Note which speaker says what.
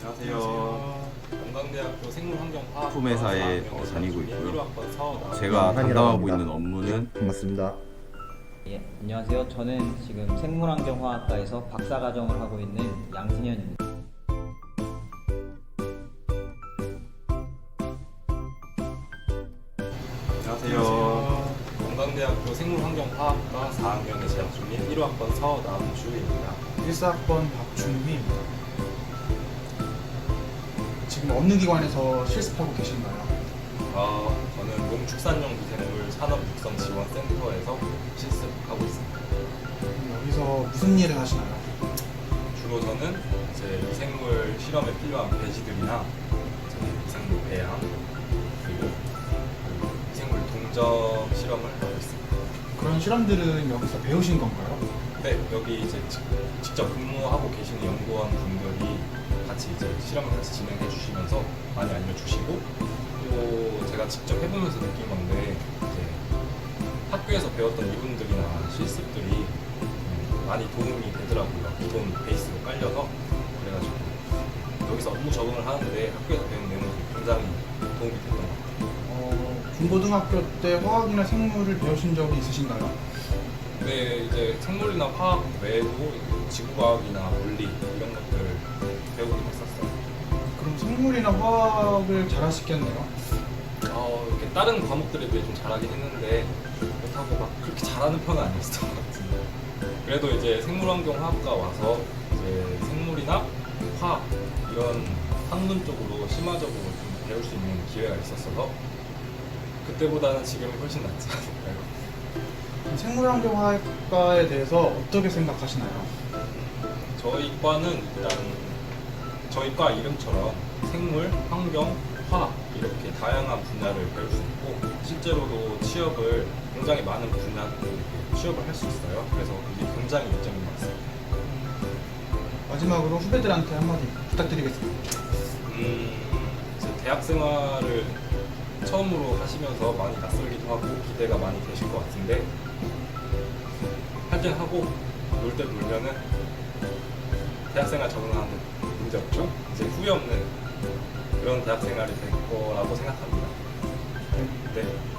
Speaker 1: 안녕하세요. 건강대학교 생물환경화학
Speaker 2: 품회사에 다니고 있고요. 제가
Speaker 3: 한이라고
Speaker 2: 담당하고
Speaker 3: 합니다.
Speaker 2: 있는 업무는
Speaker 3: 반갑습니다.
Speaker 4: 예, 안녕하세요. 저는 지금 생물환경화학과에서 박사과정을 하고 있는 양승현입니다.
Speaker 1: 안녕하세요. 건강대학교 생물환경화학과 4학년에 재학 중인 1호학번 서남주입니다.
Speaker 5: 1사학번 박준휘입니다. 지금 어느 기관에서 실습하고 계신가요?
Speaker 1: 저는 농축산용 미생물 산업육성지원센터에서 실습하고 있습니다.
Speaker 5: 여기서 무슨 일을 하시나요?
Speaker 1: 주로 저는 이제 미생물 실험에 필요한 배지들이나 이제 미생물 배양 그리고 미생물 동적 실험을 하고 있습니다.
Speaker 5: 그런 실험들은 여기서 배우신 건가요?
Speaker 1: 네, 여기 이제 직접 근무하고 계시는 연구원 분들이 같이 이제 실험을 같이 진행해 주시면서 많이 알려주시고, 또 제가 직접 해보면서 느낀 건데 이제 학교에서 배웠던 이론들이나 실습들이 많이 도움이 되더라고요. 기본 베이스로 깔려서. 그래가지고 여기서 업무 적응을 하는데 학교에서 배운 내용이 굉장히 도움이 됐던 것 같아요.
Speaker 5: 중고등학교 때 화학이나 생물을 배우신 적이 있으신가요?
Speaker 1: 근데 이제 생물이나 화학 외에도 지구과학이나 물리 이런 것들 배우긴 했었어요.
Speaker 5: 그럼 생물이나 화학을 잘하시겠네요?
Speaker 1: 이렇게 다른 과목들에 비해 좀 잘하긴 했는데 그렇다고 막 그렇게 잘하는 편은 아니었던 것 같은데, 그래도 이제 생물환경화학과 와서 이제 생물이나 화학 이런 학문 쪽으로 심화적으로 좀 배울 수 있는 기회가 있었어서 그때보다는 지금이 훨씬 낫지 않을까요?
Speaker 5: 생물환경화학과에 대해서 어떻게 생각하시나요?
Speaker 1: 저희 과는 일단 저희 과 이름처럼 생물, 환경, 화학 이렇게 다양한 분야를 배울 수 있고, 실제로도 취업을 굉장히 많은 분야로 취업을 할 수 있어요. 그래서 이게 굉장히 이점인 것 같습니다.
Speaker 5: 마지막으로 후배들한테 한마디 부탁드리겠습니다.
Speaker 1: 이제 대학 생활을 처음으로 하시면서 많이 낯설기도 하고 기대가 많이 되실 것 같은데, 할 땐 하고 놀 때 놀면은 대학생활 적응하는 데 문제 없죠. 이제 후회 없는 그런 대학생활이 될 거라고 생각합니다. 네.